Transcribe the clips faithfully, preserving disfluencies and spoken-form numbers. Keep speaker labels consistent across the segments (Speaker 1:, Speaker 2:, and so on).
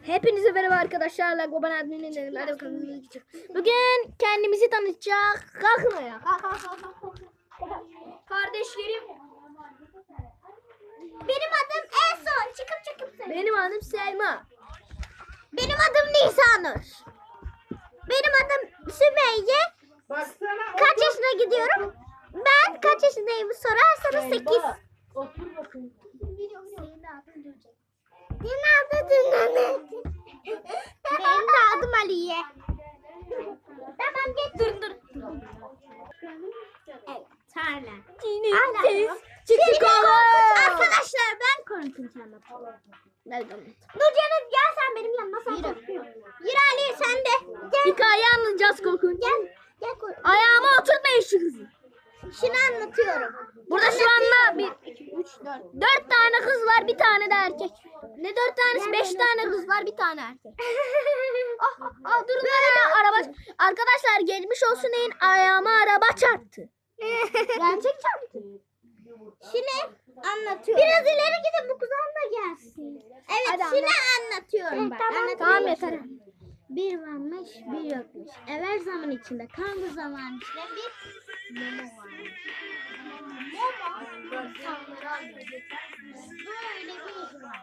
Speaker 1: Hepinize merhaba arkadaşlar. Goban adminin dedim. Hadi bakalım. Bugün kendimizi tanıtacağız. Kalkın ayağa. Kalk, kalk, kalk, kalk. Kardeşlerim.
Speaker 2: Benim adım Eson. Çıkıp çıkıp söyle.
Speaker 1: Benim adım Selma.
Speaker 2: Benim adım Nisanur. Benim adım Sümeyye. Kaç yaşına gidiyorum? Ben kaç yaşındayım sorarsanız sekiz.
Speaker 3: Otur bakayım.
Speaker 2: Senin adın Dünan'ı. Benim de adım Aliye. Tamam geç. Dur dur. Evet. Tarla.
Speaker 1: Siz çıktık oğlum.
Speaker 2: Arkadaşlar ben korkunç anlatıyorum.
Speaker 1: Nerede anlat?
Speaker 2: Nurcan'ım gel sen benim yanıma sen korkuyorsun. Yürü Ali sen de. Gel.
Speaker 1: Hikaye anlatacağız korkunç.
Speaker 2: Gel. Gel kork.
Speaker 1: Ayağıma oturtmayın şu kızı.
Speaker 2: Şunu anlatıyorum.
Speaker 1: Burada şu anda bir, iki, üç, dört. Dört tane kız var, bir tane de erkek. Ne dört tanesi? Beş tane kız var, bir tane erkek. Ah, ah, durun böyle araba. Arkadaşlar geçmiş olsun deyin, ayağıma araba çarptı.
Speaker 2: Gerçek çarptı. Şimdi anlatıyorum. Biraz ileri gidin bu kuzan da gelsin. Evet
Speaker 1: Hadi
Speaker 2: şimdi
Speaker 1: anlat.
Speaker 2: anlatıyorum.
Speaker 1: Evet,
Speaker 2: ben.
Speaker 1: tamam,
Speaker 2: Anlatıyorum.
Speaker 1: tamam, yeter.
Speaker 2: Bir varmış bir yokmuş. Evvel zaman içinde kanlı zaman içinde bir mama varmış. Mama insanları anlıyor. Böyle bir iş var.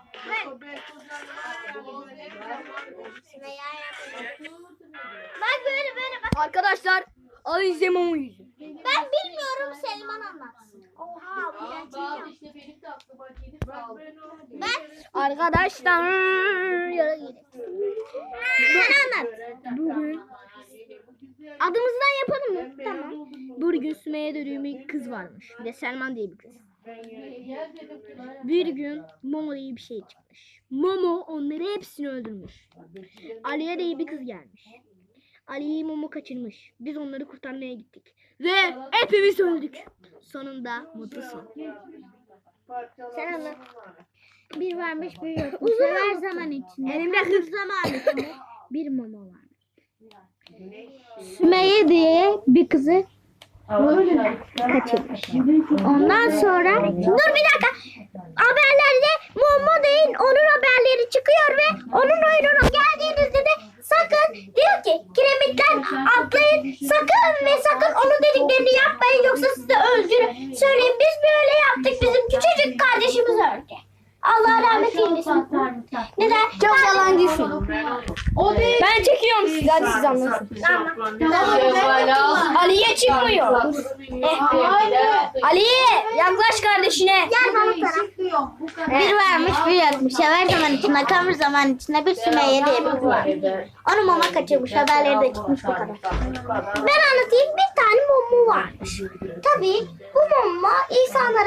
Speaker 2: Bak böyle böyle bak.
Speaker 1: Arkadaşlar Ali Zemon'un yüzü.
Speaker 2: Ben bilmiyorum Selman anlatsın. Oha bu gerçek.
Speaker 3: İşte benim de aklıma gelip kaldı.
Speaker 2: Ben
Speaker 1: Arkadaşlar yere gidelim.
Speaker 2: ben anlat.
Speaker 1: Bugün adımızdan yapalım mı? Tamam. Bugün Sümeyye dediğim bir kız varmış. Bir de Selman diye bir kız. Bir gün Momo diye bir şey çıkmış. Momo onları hepsini öldürmüş. Aliye diye bir kız gelmiş. Ali'yi Momo kaçırmış. Biz onları kurtarmaya gittik. Ve hepimiz öldük. Sonunda mutlu son.
Speaker 2: Sen anlat. Bir varmış bir yokmuş. Her zaman içinde.
Speaker 1: Elimde
Speaker 2: Her zaman içinde bir mama varmış. Sümeyye diye bir kızı kaçırmış. Ondan sonra dur bir dakika. Haberlerde Momo değil onun haberleri çıkıyor ve onun oyununa geldiğinizde de sakın diyor ki kiremitler atlayın sakın ve sakın onun dediklerini yapmayın yoksa sizi öldürür. Söyleyin biz böyle yaptık bizim küçücük kardeşimiz öldü. Allah rahmet eylesin. Neden?
Speaker 1: Çok yalancısın.
Speaker 3: O değil.
Speaker 1: Ben çekiyorum sizi. Hadi siz anlatın. Aliye çıkmıyor. Aliye yaklaş kardeşine.
Speaker 2: Gel bana taraf. Bir varmış bir yokmuş. Her zaman içinde kalmış zaman içinde bir Sümeyye diye bir kız var. Onu mama kaçırmış. Haberleri de çıkmış bu kadar. Ben anlatayım. Bir tane mumu varmış. Tabii bu mumma insanlara